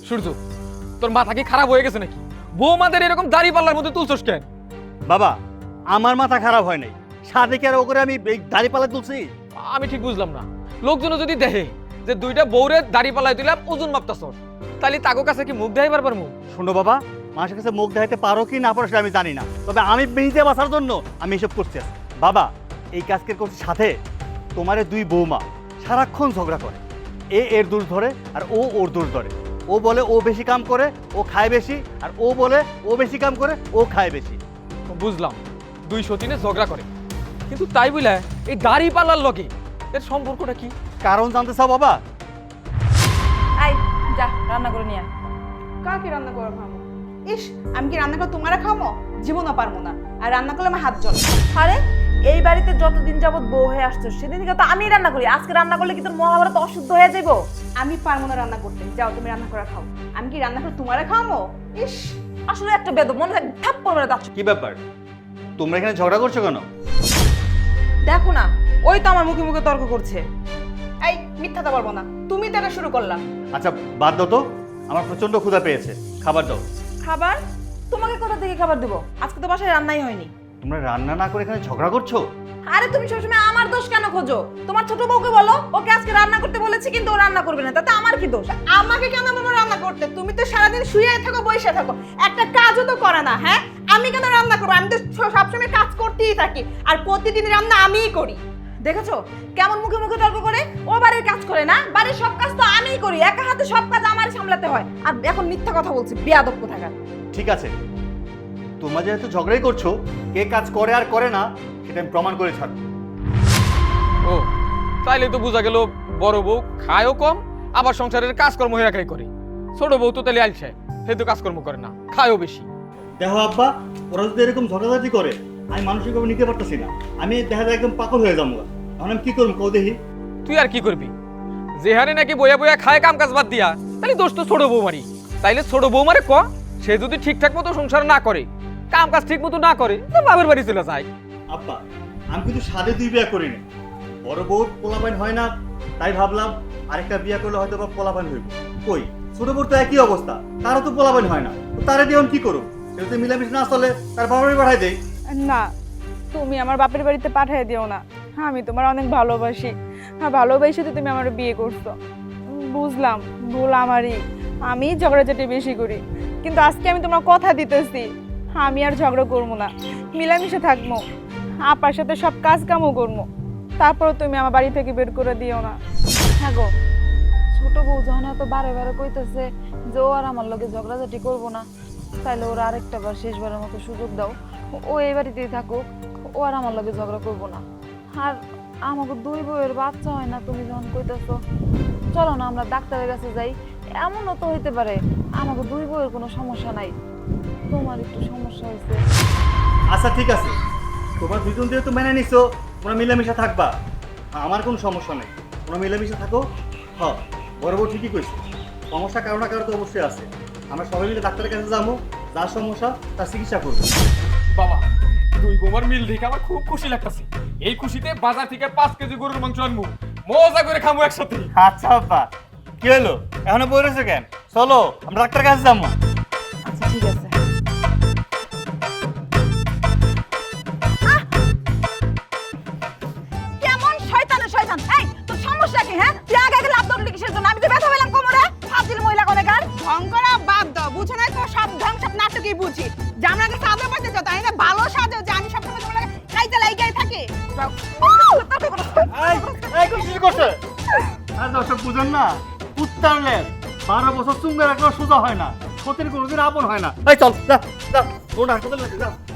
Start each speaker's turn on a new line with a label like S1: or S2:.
S1: সূর্য, তোর মাথা কি খারাপ হয়ে গেছে নাকি? বৌমাদের এরকম দাড়ি পাল্লার মধ্যে তুলছস কেন?
S2: বাবা, আমার মাথা খারাপ হয় নাই, সাদেকে আর ওকে আমি এই দাড়ি পাল্লা তুলছি।
S1: আমি ঠিক বুঝলাম না, লোকজন যদি দেখে যে দুইটা বউরে দাড়ি পাল্লায় দিলাম ওজন মাপতাছস, তাহলে তাগো কাছে কি মুখ দেখাইবার পারমু?
S2: শোনো বাবা, মানুষের কাছে মুখ দেখাইতে পারো কি না পারো সেটা আমি জানি না, তবে আমি নিজে বাঁচার জন্য আমি এসব করছি। বাবা, এই কাজকে করছি সাথে তোমারে দুই বৌমা সারাক্ষণ ঝগড়া করে, এর দোষ ধরে আর ও ওর দোষ ধরে। ও বলে ও বেশি কাম করে, ও খায় বেশি, আর ও বলে ও বেশি কাম করে, ও খায় বেশি।
S1: বুঝলাম, দুই সতীনে ঝগড়া করে, কিন্তু তাই বলে এই দাড়ি পাল্লার লগে এর সম্পর্কটা কি?
S2: কারণ জানতে চাও বাবা?
S3: আই যা রান্না করে নিয়ে আয়।
S4: কাকে রান্না করে খাবো? ইস, আমি কি রান্না করে তোমরা খামো? জীবনও পারবো না, আর রান্না করলে আমার হাত জ্বলে।
S3: আরে এই বাড়িতে যতদিন যাবত বউ হয়ে আসছো সেদিন থেকে তো আমি রান্না করি, আজকে রান্না করলে কি তোর মহাভারত অশুদ্ধ হয়ে যাবো?
S4: আমি পারবো না রান্না করতে, যাও তুমি রান্না করে খাও। আমি কি রান্না করে তোমরা খামো? ইস,
S3: আসলে একটা বেদ মনে থাকে থাপ্পড় মেরে দাও।
S2: কি ব্যাপার, তোমরা এখানে ঝগড়া করছো কেন?
S3: দেখো না, ওই তো আমার মুখে মুখে তর্ক করছে।
S4: এই মিথ্যাটা বলবো না, তুমি তো এটা শুরু করলাম।
S2: আচ্ছা বাদ দাও তো, আমার প্রচন্ড ক্ষুধা পেয়েছে, খাবার দাও।
S3: খাবার? তোমাকে কোথা থেকে খাবার দেবো? আজকে তো বাসায় রান্নাই হয়নি।
S2: তোমরা রান্না না করে এখানে ঝগড়া করছো?
S3: আরে তুমি সবসময় আমার দোষ কেন খোঁজো? তোমার ছোট বউকে বলো ওকে আজকে রান্না করতে বলেছি কিন্তু ও রান্না করবে না, তাতে আমার কি দোষ?
S4: আমাকে কেন বলবো রান্না করতে? তুমি তো সারাদিন শুয়ে থাকো, বসে থাকো, একটা কাজও তো করে না। হ্যাঁ, আমি কেন রান্না করবো? আমি তো সবসময় কাজ করতেই থাকি, আর প্রতিদিন রান্না আমিই করি।
S3: দেখেছো কেমন মুখে মুখে তর্ক করে? ও বাড়ির কাজ করে না, বাড়ির সব কাজ তো আমিই করি, একা হাতে সব কাজ আমারই সামলাতে হয়। আর এখন মিথ্যা কথা বলছি, বেয়াদব কোথাকার।
S2: ঠিক আছে, তোমরা যেহেতু ঝগড়াই করছো, কে কাজ করে আর করে না সেটা আমি প্রমাণ করে ছাড়বো।
S1: ও, তাইলে তো বোঝা গেল বড় বউ খায়ও কম, আবার সংসারের কাজকর্ম একাই করে। ছোট বউ তো তাহলে আলছে, সে তো কাজকর্ম করে না, খায়ও বেশি।
S2: দেখো আব্বা, ওরা যদি এরকম ঝগড়াঝাটি করে আমি মানসিকভাবে নিতে পারতেছি না, আমি দেখা যায় একদম পাগল হয়ে যাবো। এখন আমি কি করবো কও দেখি?
S1: তুই আর কি করবি? যে হারে নাকি বইয়া বইয়া খায় কাম কাজ বাদ দিয়া, তাহলে দোষ তো ছোট বৌমারি। তাইলে ছোট বৌমারে ক, সে যদি ঠিকঠাক মতো সংসার না করে, কাম কাজ ঠিক মতো না করে, তো বাবার বাড়ি চলে যায়।
S2: আব্বা, আমি কিন্তু সাদে দুই বিয়া করিনি, বড় বউ পোলাপাইন হয় না, তাই ভাবলাম আরেকটা বিয়া করলে হয়তো বা পোলাপাইন হইব। কই, ছোট বউর তো একই অবস্থা, তারও তো পোলাপাইন হয় না, তো তারে দিয়ে আমি কি করবো? সে যদি মিলামিশা না চলে তার বাবার বাড়ি পাঠাই দেয়।
S5: না, তুমি আমার বাপের বাড়িতে পাঠিয়ে দিও না। আমি তোমার অনেক ভালোবাসি, হ্যাঁ ভালোবাসি তো তুমি আমার বিয়ে করছো। বুঝলাম ভুল আমারই, আমি ঝগড়াঝাটি বেশি করি, কিন্তু আজকে আমি তোমার কথা দিতেছি আমি আর ঝগড়া করবো না, মিলামিশে থাকবো, আপার সাথে সব কাজ কামও করবো। তারপর তুমি আমার বাড়ি থেকে বের করে দিও না।
S3: হ্যাঁ গো, ছোট বউ যখন এত বারে বারে কইতেছে যে ও আর আমার লগে ঝগড়াঝাটি করবো না, তাইলে ওর আরেকটা বার শেষবারের মতো সুযোগ দাও, ও এই বাড়িতেই থাকুক, ও আর আমার লগে ঝগড়া করবো না। আর আমাকে দুই বউয়ের বাচ্চা হয় না, তুমি যখন কইতেছো, চলো না আমরা ডাক্তারের কাছে যাই। এমনও তো হইতে পারে আমাকে দুই বউয়ের কোনো সমস্যা নাই, তোমার একটু সমস্যা হয়েছে।
S2: আচ্ছা ঠিক আছে, তোমার দুজন দিয়ে তো মেনে নিছো, তোমরা মিলামিশা থাকবা, আমার কোনো সমস্যা নেই, তোমরা মিলামিশা থাকো। হ্যাঁ, বড় বউ ঠিকই কইছে, সমস্যা কারো না কারো তো অবশ্যই আছে। আমরা সবাই মিলে ডাক্তারের কাছে যাবো, যার সমস্যা তার চিকিৎসা করবো।
S1: বাবা, দুই বৌমার মিল দেখে আমার খুব খুশি লাগতেছে। এই খুশিতে বাজার থেকে 5 কেজি গরুর মাংস আনবো, মজা করে খামু একসাথে।
S2: আচ্ছা বাবা, কি হলো এখনো বই রয়েছে কেন? চলো আমরা ডাক্তারের কাছে যাবো।
S3: আচ্ছা ঠিক আছে।
S4: কেমন শয়তানে শয়তান! এই তোর সমস্যা কি? হ্যাঁ, তুই আগে আগে লাভ ধরলি কিসের জন্য? আমি তো ব্যথা পেলাম কোমরে। ফাজিল মহিলা কোনেকার! ঢং করা বাদ দাও, বুঝো না তো? সব ঢং সব নাটকই বুঝি। যে আমরা আগে সাজা পাইতে যাও, তাই না? ভালো সাজো যে আমি সবসময় তোমার লাগে খাইতে লাইগাই থাকি।
S2: কি করছে? আর দর্শক বুঝেন না, উত্তারলে 12 বছর চুঙ্গা রাখলেও সোজা হয় না, সতীর কোনোদিন আপন হয় না। এই চল, যা যা, কোন হাসপাতালে যা।